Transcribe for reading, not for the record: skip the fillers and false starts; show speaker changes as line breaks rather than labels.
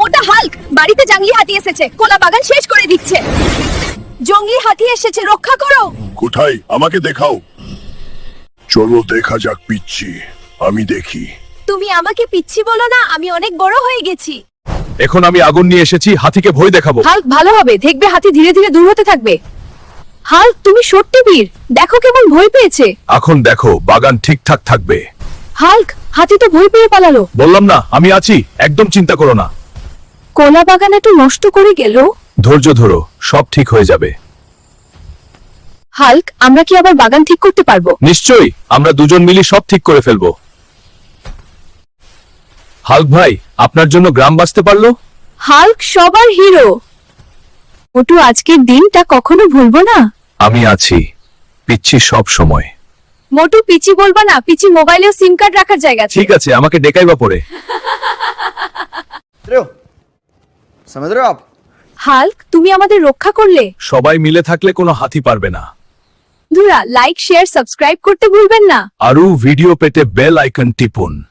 ওটা হাল্ক, বাড়িতে জঙ্গলি হাতি এসেছে, কোলা বাগান শেষ করে দিচ্ছে। জঙ্গলি হাতি এসেছে, রক্ষা করো।
কোথায়? আমাকে দেখাও। চলো দেখা যাক পিচ্ছি, আমি দেখি।
তুমি আমাকে পিচ্ছি বলো না, আমি অনেক বড় হয়ে গেছি।
এখন আমি আগুন নিয়ে এসেছি, হাতিকে ভয় দেখাবো।
হাল্ক ভালো হবে, দেখবে হাতি ধীরে ধীরে দূর হতে থাকবে। হাল্ক তুমি সত্যি বীর, দেখো কেমন ভয় পেয়েছে।
এখন দেখো বাগান ঠিকঠাক থাকবে।
হাল্ক, হাতি তো ভয় পেয়ে পালালো।
বললাম না আমি আছি, একদম চিন্তা করো না।
কোলা বাগান একটু নষ্ট করে গেল।
ধৈর্য ধরো, সব ঠিক হয়ে যাবে।
হাল্ক, আমরা কি আবার বাগান ঠিক করতে পারবো?
নিশ্চয়ই, আমরা দুজন মিলে সব ঠিক করে ফেলবো। হাল্ক ভাই, আপনার জন্য গ্রাম বাঁচতে পারলো।
হাল্ক সবার হিরো। মোটু আজকের দিনটা কখনো ভুলবো না।
আমি আছি, পিচ্ছি সব সময়।
মোটু পিচি বলবা না, পিচি মোবাইলেও সিম কার্ড রাখার জায়গা আছে।
ঠিক আছে, আমাকে ডেকাইবা পরে।
समझ रहे हो आप?
হাল্ক তুমি আমাদের রক্ষা করলে।
সবাই মিলে থাকলে কোনো হাতি পারবে না।
বন্ধুরা লাইক শেয়ার সাবস্ক্রাইব করতে ভুলবেন না।
আরো ভিডিও পেতে বেল আইকন টিপুন।